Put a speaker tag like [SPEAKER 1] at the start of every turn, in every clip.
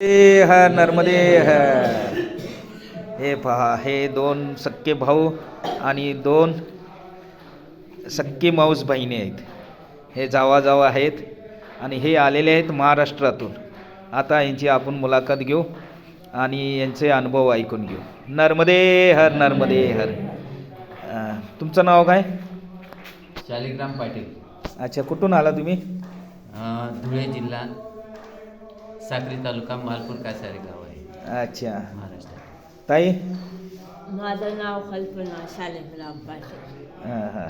[SPEAKER 1] हर नर्मदे हर. हे पहा, हे दोन सक्के भाऊ आणि दोन सक्के माऊस बहिणी आहेत. हे जावा जावा आहेत आणि हे आलेले आहेत महाराष्ट्रातून. आता यांची आपण मुलाखत घेऊ आणि यांचे अनुभव ऐकून घेऊ. नर्मदे हर नर्मदे हर. तुमचं नाव काय?
[SPEAKER 2] शालिग्राम पाटील.
[SPEAKER 1] अच्छा, कुठून आला तुम्ही?
[SPEAKER 2] धुळे जिल्हा, साक्री तालुका, मालपूर कासारी गाव आहे.
[SPEAKER 1] अच्छा,
[SPEAKER 2] महाराष्ट्र.
[SPEAKER 1] ताई?
[SPEAKER 3] माझं नाव कल्पना शालिग्राम पाटील.
[SPEAKER 1] हां हां.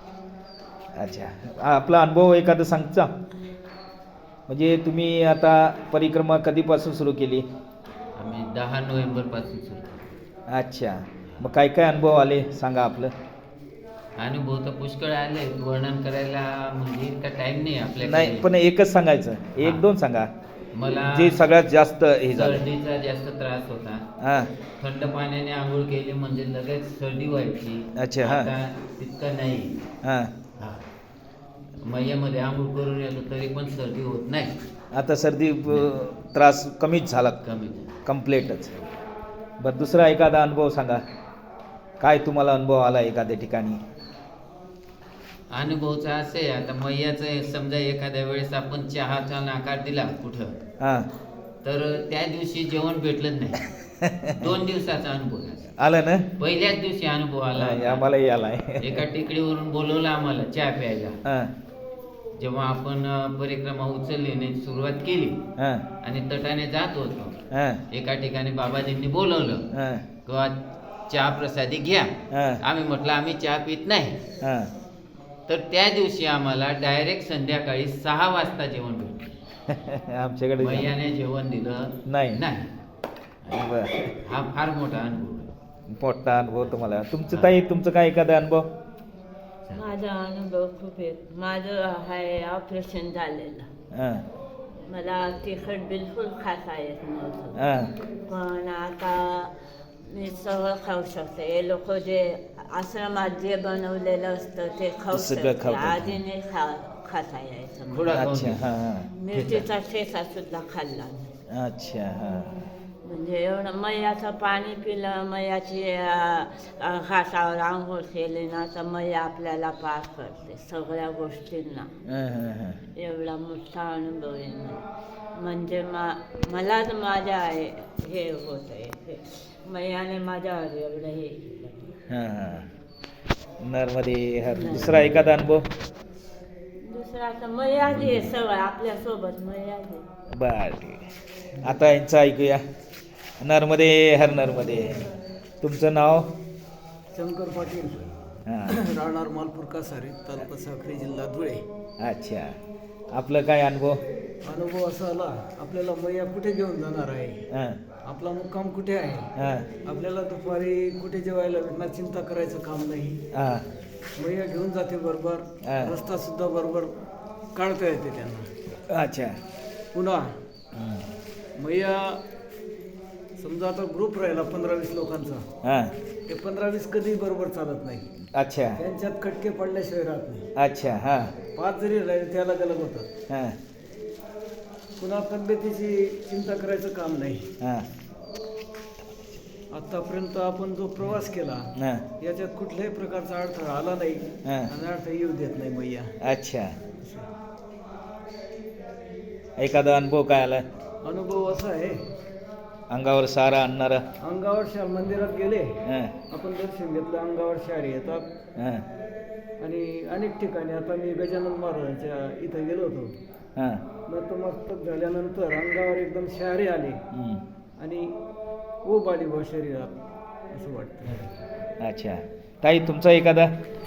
[SPEAKER 1] अच्छा, आपला अनुभव एखादं सांगता? म्हणजे तुम्ही आता परिक्रमा कधीपासून सुरू केली?
[SPEAKER 2] आम्ही 10 नोव्हेंबरपासून सुरू केली.
[SPEAKER 1] अच्छा, मग काय काय अनुभव आले सांगा आपलं.
[SPEAKER 2] अनुभव तर पुष्कळ आले, वर्णन करायला म्हणजे इतका टाइम नाही आपल्याकडे.
[SPEAKER 1] नाही, पण एकच सांगायचं, एक दोन सांगा.
[SPEAKER 2] मला
[SPEAKER 1] जे सगळ्यात जास्त हे झालं.
[SPEAKER 2] सर्दीचा जास्त त्रास होता.
[SPEAKER 1] हां.
[SPEAKER 2] थंड पाण्याने आंघोळ केली म्हणजे लगेच सर्दी व्हायची.
[SPEAKER 1] अच्छा, हां.
[SPEAKER 2] आता तितकं नाही.
[SPEAKER 1] हां.
[SPEAKER 2] मैयामध्ये आंघोळ करून येतो तरी पण सर्दी होत नाही.
[SPEAKER 1] आता सर्दी त्रास कमीच झाला,
[SPEAKER 2] कमी.
[SPEAKER 1] कम्प्लीटच. बरं, दुसरा एखादा अनुभव सांगा. काय तुम्हाला अनुभव आला एखाद्या ठिकाणी?
[SPEAKER 2] अनुभवचा असे, आता मैयाचं समजा एखाद्या वेळेस आपण चहाचा नाकार दिला कुठं,
[SPEAKER 1] हां,
[SPEAKER 2] तर त्या दिवशी जेवण भेटलंच नाही. 2 दिवसाचा अनुभव आहे.
[SPEAKER 1] आलं ना?
[SPEAKER 2] पहिल्याच दिवशी अनुभव आला.
[SPEAKER 1] आम्हालाही आलाय.
[SPEAKER 2] एका टेकडीवरून बोलवलं आम्हाला चहा प्यायला.
[SPEAKER 1] हां
[SPEAKER 2] जेव्हा आपण परिक्रमा उचलली सुरुवात केली
[SPEAKER 1] हां
[SPEAKER 2] आणि तटाने जात होतो,
[SPEAKER 1] हां
[SPEAKER 2] एका ठिकाणी बाबाजींनी बोलवलं
[SPEAKER 1] हां
[SPEAKER 2] किंवा चहा प्रसादी घ्या.
[SPEAKER 1] हां
[SPEAKER 2] आम्ही म्हटलं आम्ही चहा पित नाही.
[SPEAKER 1] हां.
[SPEAKER 2] तर त्या दिवशी आम्हाला डायरेक्ट संध्याकाळी 6 वाजता जेवण भेटलं.
[SPEAKER 1] आमच्याकडे
[SPEAKER 2] मैयाने जेवण दिलं
[SPEAKER 1] नाही.
[SPEAKER 2] नाही.
[SPEAKER 1] बरं,
[SPEAKER 2] हा फार मोठा अनुभव आहे.
[SPEAKER 1] मोठा अनुभव तुम्हाला. तुमचं ताई, तुमचं काय एखादा अनुभव?
[SPEAKER 3] माझा अनुभव खूप आहे. माझं आहे ऑपरेशन झालेलं.
[SPEAKER 1] हां
[SPEAKER 3] मला तिखट बिलकुल खाता येत नव्हतं,
[SPEAKER 1] हां
[SPEAKER 3] पण आता मी सगळं खाऊ शकते. हे लोक जे आश्रमात जे बनवलेलं असतं ते खाऊ
[SPEAKER 1] सगळं
[SPEAKER 3] शकते.
[SPEAKER 1] खाऊ शकते.
[SPEAKER 3] आधी नाही खाता यायचं मला.
[SPEAKER 2] थोडा खाऊन
[SPEAKER 1] अच्छा,
[SPEAKER 2] घे.
[SPEAKER 1] हां हां.
[SPEAKER 3] मिरचीचा ठेचा सुद्धा खाल्ला नाही.
[SPEAKER 1] अच्छा, हां.
[SPEAKER 3] म्हणजे एवढं मैयाचं पाणी पिलं, मैयाची घाटावर आंघोळ केली ना तर मैया आपल्याला पार करते सगळ्या गोष्टींना.
[SPEAKER 1] हां हां हां.
[SPEAKER 3] एवढा मोठा अनुभव आहे म्हणजे मलाच माझ्या हे होत आहे. मैयाने माझ्यावर एवढं हे केलं.
[SPEAKER 1] हां हां. नर्मदे हर. दुसरा एखादा अनुभव?
[SPEAKER 3] दुसरा तर मैयाच आहे सगळं आपल्यासोबत. मैयाच आहे.
[SPEAKER 1] बर, ठीक आहे. आता यांचं ऐकूया. नर्मदे हर नर्मदे. तुमचं नाव?
[SPEAKER 4] शंकर पाटील,
[SPEAKER 1] हां.
[SPEAKER 4] राहणार मालपूर कासारी, तालुका साक्री, जिल्हा धुळे.
[SPEAKER 1] अच्छा, आपलं काय अनुभव?
[SPEAKER 4] अनुभव असा आला, आपल्याला मैया कुठे घेऊन जाणार आहे,
[SPEAKER 1] हां
[SPEAKER 4] आपला मुक्काम कुठे आहे,
[SPEAKER 1] हां
[SPEAKER 4] आपल्याला दुपारी कुठे जेवायला भेटणार, चिंता करायचं काम नाही.
[SPEAKER 1] हां
[SPEAKER 4] मैया घेऊन जाते बरोबर.
[SPEAKER 1] हा.
[SPEAKER 4] रस्ता सुद्धा बरोबर काढता येते त्यांना.
[SPEAKER 1] अच्छा.
[SPEAKER 4] पुन्हा
[SPEAKER 1] हं.
[SPEAKER 4] मैया समजा आता ग्रुप राहिला 15-20 लोकांचा,
[SPEAKER 1] हां.
[SPEAKER 4] ते 15-20 कधी बरोबर चालत नाही.
[SPEAKER 1] अच्छा
[SPEAKER 4] त्यांच्यात खटके पडल्याशिवाय राहत नाही.
[SPEAKER 1] अच्छा. हां
[SPEAKER 4] 5 जरी राहिले त्याला गलग होतात.
[SPEAKER 1] हां
[SPEAKER 4] पुन्हा तब्येतीची चिंता करायचं काम नाही.
[SPEAKER 1] हां
[SPEAKER 4] आतापर्यंत आपण जो प्रवास केला
[SPEAKER 1] हां.
[SPEAKER 4] याच्यात कुठल्याही प्रकारचा अडथळा आला नाही
[SPEAKER 1] हां.
[SPEAKER 4] आणि अडथळा येऊ देत नाही मैया.
[SPEAKER 1] अच्छा, एखादा अनुभव काय आला?
[SPEAKER 4] अनुभव असा आहे,
[SPEAKER 1] अंगावर सारा आणणारा?
[SPEAKER 4] अंगावर मंदिरात गेले,
[SPEAKER 1] हां
[SPEAKER 4] आपण दर्शन घेतलं, अंगावर शहारे येतात.
[SPEAKER 1] हां
[SPEAKER 4] आणि अनेक ठिकाणी आता मी गजानन महाराजांच्या इथं गेलो होतो,
[SPEAKER 1] हां.
[SPEAKER 4] नतमस्तक झाल्यानंतर अंगावर एकदम शहारे आले
[SPEAKER 1] हं.
[SPEAKER 4] आणि ऊब आली बा शरीरात असं वाटतं.
[SPEAKER 1] अच्छा, ताई तुमचा एखादा?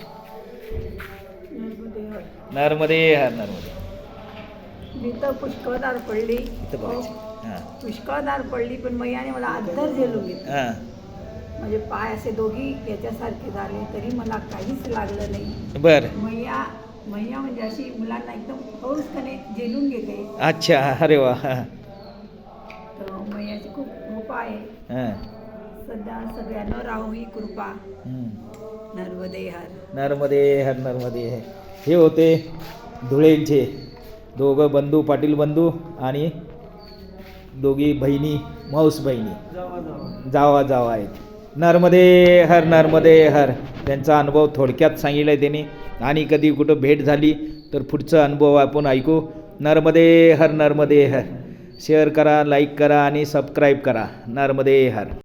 [SPEAKER 1] नर्मदे हर नर्मदे.
[SPEAKER 5] मी तर पुष्कळदार पडली,
[SPEAKER 1] इथं बघायचं. हां
[SPEAKER 5] पुष्कळदार पडली, पण मैयाने मला अद्दर झेलून घेतलं.
[SPEAKER 1] हां.
[SPEAKER 5] म्हणजे पाय असे दोघी याच्यासारखे झाले तरी मला काहीच लागलं नाही.
[SPEAKER 1] बरं.
[SPEAKER 5] मैया म्हणजे अशी मुलांना एकदम हौसपणे झेलून घेते.
[SPEAKER 1] अच्छा, अरे वा. हां
[SPEAKER 5] तर मैयाची खूप कृपा आहे.
[SPEAKER 1] हां.
[SPEAKER 5] सध्या सगळ्यांना राहू ही कृपा.
[SPEAKER 1] हं.
[SPEAKER 5] नर्मदे हर.
[SPEAKER 1] नर्मदे हर नर्मदे. हे होते धुळेंचे दोघं बंधू, पाटील बंधू आणि दोघी बहिणी माऊस बहिणी
[SPEAKER 4] जावा जावा
[SPEAKER 1] जावा जावा आहेत. नर्मदे हर नर्मदे हर. त्यांचा अनुभव थोडक्यात सांगितला आहे त्यांनी, आणि कधी कुठं भेट झाली तर पुढचा अनुभव आपण ऐकू. नर्मदे हर नर्मदे हर. शेअर करा, लाईक करा आणि सबस्क्राईब करा. नर्मदे हर.